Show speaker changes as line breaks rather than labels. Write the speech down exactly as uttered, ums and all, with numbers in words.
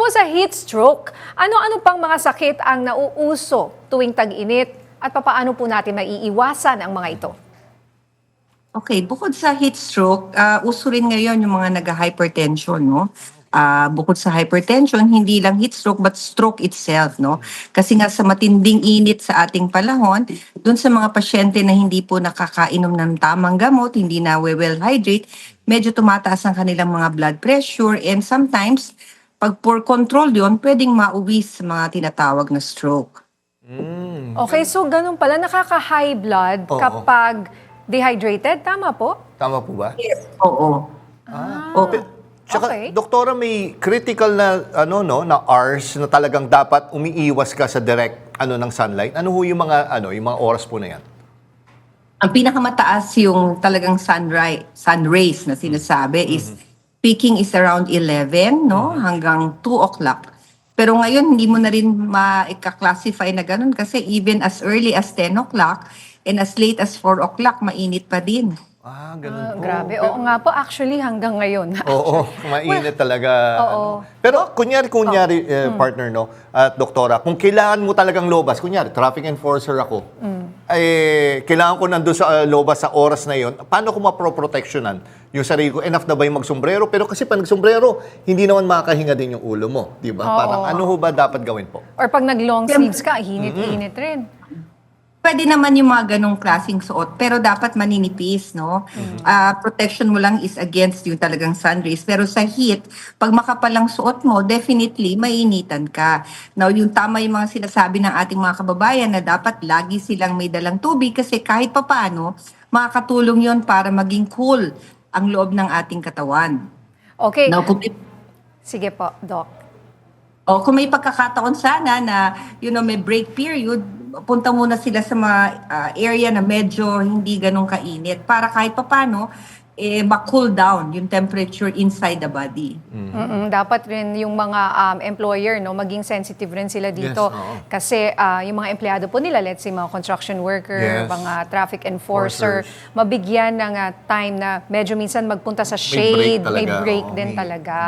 po sa heat stroke, ano-ano pang mga sakit ang nauuso tuwing tag-init at papaano po natin maiiwasan ang mga ito?
Okay, bukod sa heat stroke, ah, uso rin ngayon yung mga nag-hypertension, no? Ah, bukod sa hypertension, hindi lang heat stroke but stroke itself, no? Kasi nga sa matinding init sa ating panahon, dun sa mga pasyente na hindi po nakakainom ng tamang gamot, hindi na well hydrate, medyo tumataas ang kanilang mga blood pressure and sometimes, pag poor control yun, pwedeng mauwi sa mga tinatawag na stroke.
Okay, so ganun pala, nakaka-high blood
Oo.
kapag dehydrated, tama po?
Tama po ba?
Yes. Oo.
Ah,
Oo.
Tsaka,
okay.
doktora, may critical na ano no na hours na talagang dapat umiiwas ka sa direct ano ng sunlight. Ano ho yung mga ano, yung mga oras po na yan?
Ang pinakamataas yung talagang sunrise, sun rays na sinasabi is peaking is around eleven, no? Hanggang two o'clock. Pero ngayon, hindi mo na rin ma-classify na ganun kasi even as early as ten o'clock and as late as four o'clock, mainit pa din.
Ah, ganun
Ah,
po.
grabe. Oo nga po, actually hanggang ngayon.
Oo, mainit talaga.
Oo.
ano. Pero kunyari, kunyari, eh, partner, no, at doktora, kung kailangan mo talagang lobas, kunyari, traffic enforcer ako, eh, kailangan ko nandun sa uh, lobas sa oras na yon, paano ko maproprotectionan yung sarili ko? Enough na ba yung magsombrero? Pero kasi pag nagsombrero, hindi naman makakahinga din yung ulo mo, di ba?
Oo.
Parang ano ho ba dapat gawin po?
Or pag nag-long sleeves ka, hinit-hinit rin.
Pwede naman yung mga ganong klaseng suot, pero dapat maninipis, no? Ah, protection mo lang is against yung talagang sun rays. Pero sa heat, pag makapalang suot mo, definitely mainitan ka. Now, yung tama yung mga sinasabi ng ating mga kababayan na dapat lagi silang may dalang tubig kasi kahit papano, makakatulong yon para maging cool ang loob ng ating katawan.
Okay.
Now, kung
Sige po, Doc.
O kung may pagkakataon sana na, you know, may break period, punta muna sila sa mga ah, area na medyo hindi ganun kainit para kahit papano, eh, ma-cool down yung temperature inside the body.
Mm-mm, dapat rin yung mga um, employer, no, maging sensitive rin sila dito.
Yes, oo.
Kasi ah, yung mga empleyado po nila, let's say mga construction worker,
Yes.
mga traffic enforcer,
Enforcers.
mabigyan ng ah, time na medyo minsan magpunta sa
May break
shade, may
talaga,
break
oo,
din
may-
talaga.